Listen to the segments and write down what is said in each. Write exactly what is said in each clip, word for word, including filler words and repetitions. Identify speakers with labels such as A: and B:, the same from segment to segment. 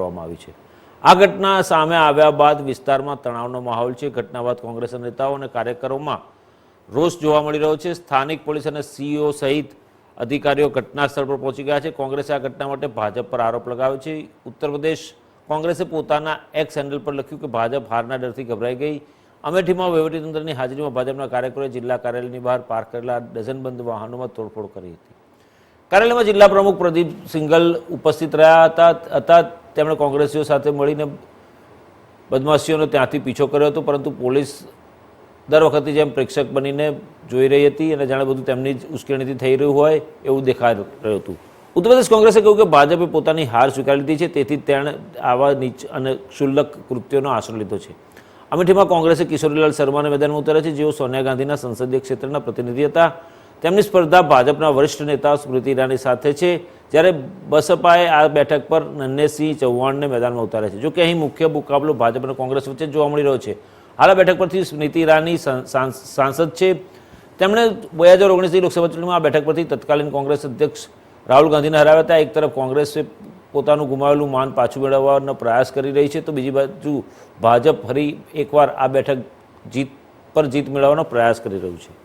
A: કરવામાં આવી છે। આ ઘટના સામે આવ્યા બાદ વિસ્તારમાં તણાવનો માહોલ છે। ઘટના બાદ કોંગ્રેસના નેતાઓ અને કાર્યકરોમાં રોષ જોવા મળી રહ્યો છે। સ્થાનિક પોલીસ અને સીઈઓ સહિત અધિકારીઓ ઘટના સ્થળ પર પહોંચી ગયા છે। કોંગ્રેસે આ ઘટના માટે ભાજપ પર આરોપ લગાવ્યો છે। ઉત્તર પ્રદેશ કોંગ્રેસે પોતાના એક્સ હેન્ડલ પર લખ્યું કે ભાજપ હારના ડરથી ગભરાઈ ગઈ। અમેઠીમાં વહીવટીતંત્રની હાજરીમાં ભાજપના કાર્યકરોએ જિલ્લા કાર્યાલયની બહાર પાર્ક કરેલા ડઝનબંધ વાહનોમાં તોડફોડ કરી હતી। કાર્યાલયમાં જિલ્લા પ્રમુખ પ્રદીપ સિંઘલ ઉપસ્થિત રહ્યા હતા હતા તેમણે કોંગ્રેસીઓ સાથે મળીને બદમાશીઓનો ત્યાંથી પીછો કર્યો હતો, પરંતુ પોલીસ દર વખતે જેમ પ્રેક્ષક બનીને જોઈ રહી હતી અને જાણે બધું તેમની જ ઉશ્કેરણીથી થઈ રહ્યું હોય એવું દેખાઈ રહ્યું હતું। ઉત્તર પ્રદેશ કોંગ્રેસે કહ્યું કે ભાજપે પોતાની હાર સ્વીકારી લીધી છે, તેથી તેણે આવા નીચ અને ક્ષુલ્લક કૃત્યોનો આશરો લીધો છે। અમેઠીમાં કોંગ્રેસે કિશોરીલાલ શર્માને મેદાનમાં ઉતાર્યા છે, જેઓ સોનિયા ગાંધીના સંસદીય ક્ષેત્રના પ્રતિનિધિ હતા। તેમની સ્પર્ધા ભાજપના વરિષ્ઠ નેતા સ્મૃતિ ઈરાની સાથે છે, જ્યારે બસપાએ આ બેઠક પર નન્હેસિંહ ચૌહાણને મેદાનમાં ઉતાર્યા છે। જોકે અહીં મુખ્ય મુકાબલો ભાજપ અને કોંગ્રેસ વચ્ચે જોવા મળી રહ્યો છે। હાલ આ બેઠક પરથી સ્મૃતિ ઈરાની સાંસદ છે। તેમણે બે હજાર ઓગણીસની લોકસભા ચૂંટણીમાં આ બેઠક પરથી તત્કાલીન કોંગ્રેસ અધ્યક્ષ રાહુલ ગાંધીને હરાવ્યા હતા। એક તરફ કોંગ્રેસે પોતાનું ગુમાવેલું માન પાછું મેળવવાનો પ્રયાસ કરી રહી છે, તો બીજી બાજુ ભાજપ ફરી એકવાર આ બેઠક જીત પર જીત મેળવવાનો પ્રયાસ કરી રહ્યું છે।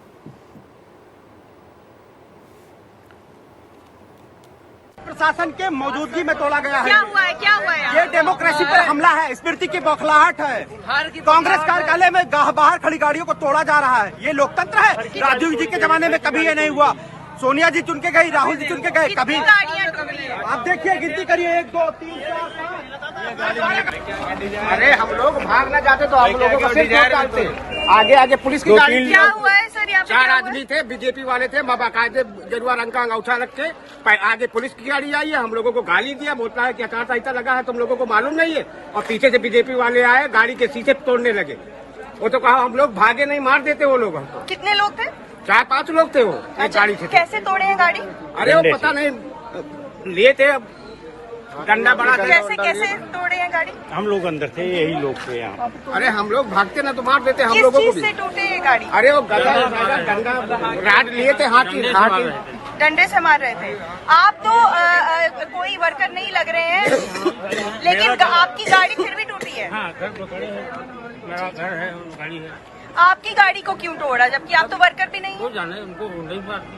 B: प्रशासन के मौजूदगी में तोड़ा गया है।
C: क्या हुआ है? क्या हुआ है?
B: ये डेमोक्रेसी पर हमला है, स्मृति की बौखलाहट है। कांग्रेस कार्यालय में बाहर खड़ी गाड़ियों को तोड़ा जा रहा है। ये लोकतंत्र है? राजीव जी के जमाने में कभी ये नहीं हुआ। सोनिया जी चुन के गई, राहुल जी चुन के गए, कभी आप देखिए गिनती करिए, एक दो तीन चार पाँच। अरे हम लोग भाग ना जाते तो हम लोगों को सिर्फ डालते। आगे आगे पुलिस की गाड़ी।
C: क्या हुआ है सर? यहाँ पे
B: चार आदमी थे, बीजेपी वाले थे, बाकायदे गेरुआ रंग का अंगूठा रख के आगे पुलिस की गाड़ी आई है, हम लोगों को गाली दिया, बोलता है कि आचार संहिता लगा है तुम लोगों को मालूम नहीं है। और पीछे से बीजेपी वाले आए, गाड़ी के शीशे तोड़ने लगे। वो तो कहा हम लोग भागे नहीं, मार देते वो लोग हमको।
C: कितने लोग थे?
B: चार पांच लोग थे वो एक गाड़ी से।
C: कैसे तोड़े हैं गाड़ी?
B: अरे वो पता नहीं लिए थे डंडा बड़ा।
C: कैसे कैसे तोड़े हैं गाड़ी?
D: हम लोग अंदर थे, यही लोग थे यहाँ।
B: अरे हम लोग भागते ना तो मार देते हम
C: किस
B: लोगों को
C: चीज
B: भी।
C: से टूटे ये गाड़ी?
B: अरे वो गदा डंडा राड लिए थे, हाथी हाथी
C: डंडे से मार रहे थे। आप तो आ, आ, कोई वर्कर नहीं लग रहे हैं, लेकिन आपकी गाड़ी फिर भी टूटी है।
D: हाँ, घर पकड़े हैं, मेरा घर है, गाड़ी है।
C: आपकी गाड़ी को क्यों तोड़ा, जबकि आप तो वर्कर भी नहीं?
D: वो जाने उनको नहीं मारती।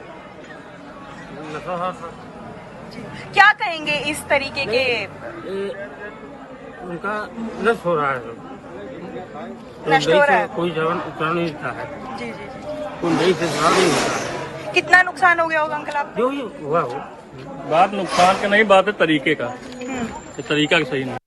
C: क्या कहेंगे इस तरीके के?
D: उनका नष्ट हो रहा है,
C: नष्ट हो रहा है।
D: कोई जवान उतना नहीं होता है,
C: जी जी जी।
D: कुंडई से जुड़ा नहीं होता है।
C: कितना नुकसान हो गया होगा अंकल आप?
D: जो ये हुआ हो,
E: बात नुकसान का नहीं, बात है तरीके का। ये तरीका सही नहीं।